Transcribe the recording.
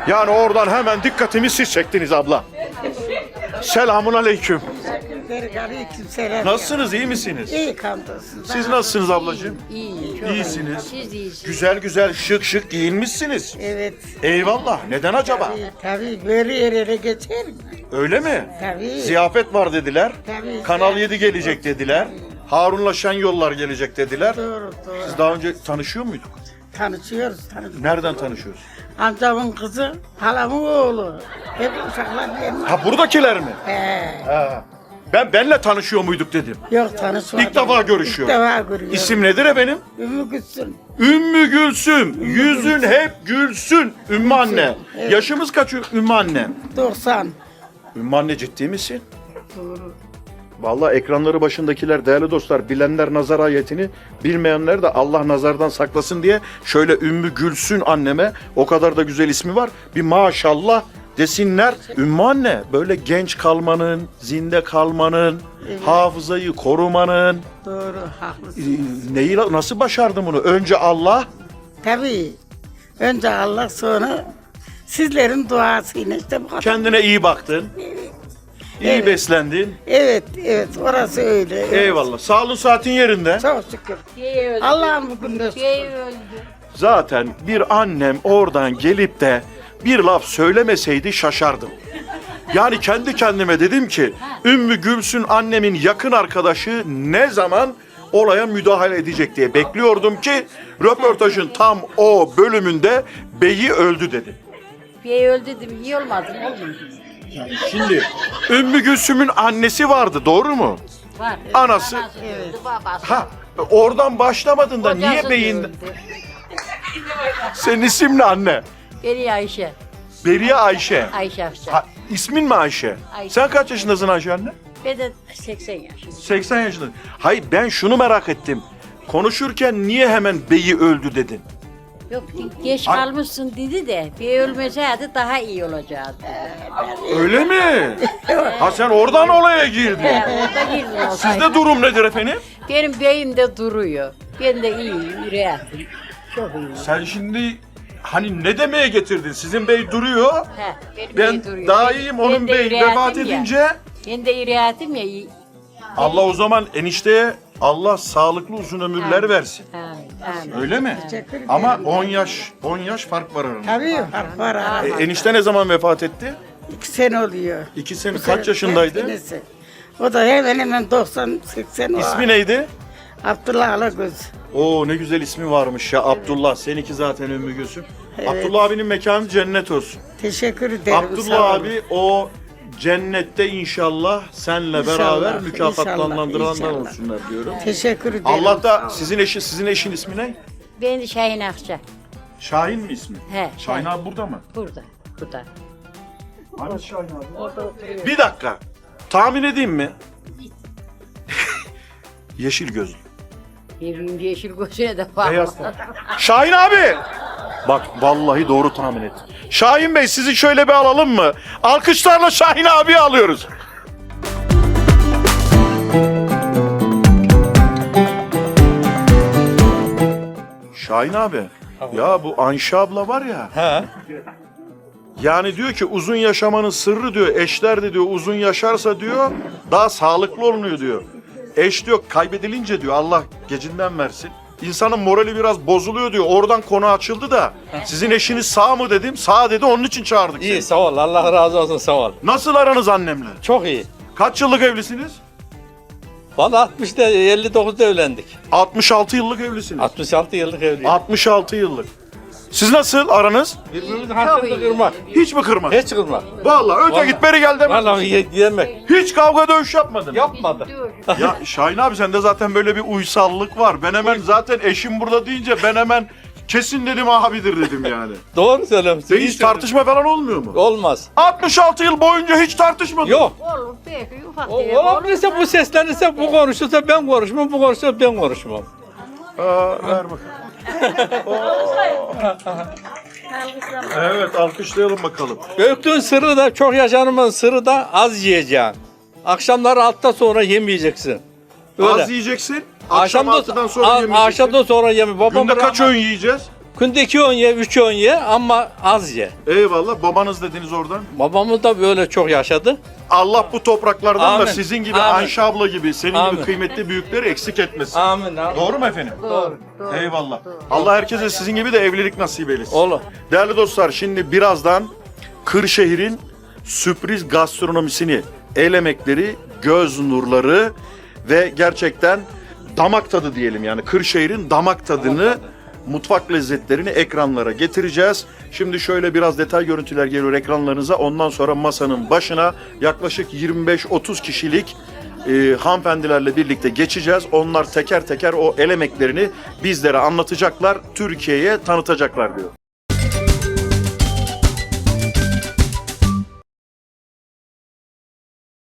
Yani oradan hemen dikkatimi siz çektiniz abla. Selamun aleyküm. Aleykümselam. Nasılsınız, iyi misiniz? İyi hamdolsun. Siz nasılsınız ablacığım? İyi, çok İyisiniz. Siz iyisiniz. Güzel güzel şık şık giyinmişsiniz. Evet. Eyvallah. Neden acaba? Tabii böyle yerlere geçer mi? Öyle mi? Tabii. Ziyafet var dediler. Tabii. Kanal 7 gelecek dediler. Harun'la Şenyollar gelecek dediler. Doğru doğru. Biz daha önce tanışıyor muyduk? Tanışıyoruz. Nereden tanışıyoruz? Amcamın kızı, halamın oğlu. Hep uşaklar benim. Ha buradakiler mi? He. Ha. Benle tanışıyor muyduk dedim. Yok tanışmadım. İlk defa görüşüyorum. İlk defa görüyorum. İsim nedir efendim? Ümmü Gülsün. Ümmü Gülsüm. Yüzün hep gülsün. Ümmü anne. Evet. Yaşımız kaç Ümmü anne? 90. Ümmü anne ciddi misin? Doğru. Vallahi ekranları başındakiler değerli dostlar, bilenler nazar ayetini, bilmeyenler de Allah nazardan saklasın diye şöyle Ümmü Gülsün anneme, o kadar da güzel ismi var, bir maşallah desinler. Ümmü anne böyle genç kalmanın, zinde kalmanın, hafızayı korumanın, Doğru. Haklısın. neyi nasıl başardın bunu? Önce Allah, Tabii. Önce Allah sonra sizlerin duasıyla işte bu kadar. kendine iyi baktın, iyi Evet. beslendin. Evet, evet. Orası öyle. Evet. Eyvallah. Sağlığın saatin yerinde. Çok şükür. Bey öldü. Allah'ım bugün de Bey öldü. Zaten bir annem oradan gelip de bir laf söylemeseydi şaşardım. Yani kendi kendime dedim ki Ümmü Gülsün annemin yakın arkadaşı ne zaman olaya müdahale edecek diye bekliyordum ki röportajın tam o bölümünde beyi öldü dedi. Bey öldü dedim. İyi olmadı mı? Olmadı. Şimdi Ümmü Gülsüm'ün annesi vardı, doğru mu? Var. Anası. öldü, babası. Ha, oradan başlamadın da niye Kocası beyin... öldü. Senin isim ne anne? Beri Ayşe. Beriye Ayşe. Ayşe Afşar. Ha, ismin mi Ayşe? Ayşe. Sen kaç yaşındasın Ayşe anne? Ben de 80 yaşındayım. 80 yaşındasın. Hayır, ben şunu merak ettim. Konuşurken niye hemen beyi öldü dedin? Yok geç Ay- kalmışsın dedi de bey ölmeseydi daha iyi olacaktı. Öyle mi? Ha sen oradan olaya girdin. Orada girdim o Sizde durum nedir efendim? Benim beyim de duruyor. Ben de iyiyim, yüreğim. Çok iyiyim. Sen şimdi hani ne demeye getirdin? Sizin bey duruyor. He, benim Ben bey duruyor. daha iyiyim, onun de bey yüreğim vefat ya. edince Ben de yüreğim ya. Allah o zaman enişteye Allah sağlıklı uzun ömürler Amin. versin. Amin. Öyle mi? Teşekkür ederim. Ama 10 yaş fark var aramızda. Tabii harf var ara. Enişte ne zaman vefat etti? 2 sene oluyor. 2 sene. Bu Kaç sene- yaşındaydı? senesi. O da hemen hemen 90-80 İsmi neydi? Abdullah Alagöz. Oo ne güzel ismi varmış ya, Abdullah. Seninki zaten Ümmü Gülsüm. Evet. Abdullah abinin mekanı cennet olsun. Teşekkür ederim. sağ Abdullah olun. abi o cennette inşallah senle İnşallah, beraber mükafatlandırılanlar inşallah. olsunlar diyorum. Teşekkür ederim. Allah sağ da olun. sizin eşin ismi ne? Ben de Şahin Akça. Şahin mi ismi? He, Şahin Şahin. abi burada mı? Burada. Burada. Hani Şahin abi? Bir dakika. Tahmin edeyim mi? Yeşil gözlü. Evim yeşil gözüne de var. Beyaz tenli. Şahin abi! Bak vallahi doğru tahmin ettim. Şahin Bey sizi şöyle bir alalım mı? Alkışlarla Şahin abiyi alıyoruz. Şahin abi, ya bu Ayşe abla var ya. He. Yani diyor ki uzun yaşamanın sırrı diyor, eşler de diyor uzun yaşarsa diyor daha sağlıklı olunuyor diyor. Eş diyor kaybedilince diyor Allah gecinden versin. İnsanın morali biraz bozuluyor diyor. Oradan konu açıldı da sizin eşiniz sağ mı dedim. Sağ dedi, onun için çağırdık İyi seni. sağ ol. Allah razı olsun sağ ol. Nasıl aranız annemle? Çok iyi. Kaç yıllık evlisiniz? Valla 60'da 59'da evlendik. 66 yıllık evlisiniz. 66 yıllık evliyiz. 66 yıllık. Siz nasıl aranız? Birbirimizin hakkını kırmak. Hiç mi kırmadın? Hiç kırmak. Vallahi öte Vallahi. git beri gel demedin. Vallahi yemek. Hiç kavga dövüş yapmadın. Yapmadı. Ya Şahin abi sende zaten böyle bir uysallık var. Ben hemen zaten eşim burada deyince ben hemen kesin dedim abidir dedim yani. Doğru söylüyorsun. Hiç tartışma falan olmuyor mu? Olmaz. 66 yıl boyunca hiç tartışmadın. Yok. Olur belki ufak O, tefek olur. olabilirse bu seslenirse bu konuşursa ben konuşmam, bu konuşursa ben konuşmam. Ver bakalım. Evet alkışlayalım bakalım. Öktüğün sırrı da çok yaşanımın sırrı da az yiyeceksin. Akşamları 6'dan sonra yemeyeceksin. Öyle. Az yiyeceksin. Akşam 6'dan sonra yemeyeceksin. Akşamdan sonra yeme. Babam Günde kaç öğün yiyeceğiz? Günde 2 öğün ye, 3 öğün ye ama az ye. Eyvallah. Babanız dediniz oradan. Babamız da böyle çok yaşadı. Allah bu topraklardan da Amin. sizin gibi, Amin. Ayşe abla gibi, senin Amin. gibi kıymetli büyükleri eksik etmesin. Amin. Doğru mu efendim? Doğru. Eyvallah. Allah herkese sizin gibi de evlilik nasip eylesin. Olur. Değerli dostlar, şimdi birazdan Kırşehir'in sürpriz gastronomisini, el emekleri, göz nurları ve gerçekten damak tadı diyelim, yani Kırşehir'in damak tadını, mutfak lezzetlerini ekranlara getireceğiz. Şimdi şöyle biraz detay görüntüler geliyor ekranlarınıza. Ondan sonra masanın başına yaklaşık 25-30 kişilik hanımefendilerle birlikte geçeceğiz. Onlar teker teker o el emeklerini bizlere anlatacaklar, Türkiye'ye tanıtacaklar diyor.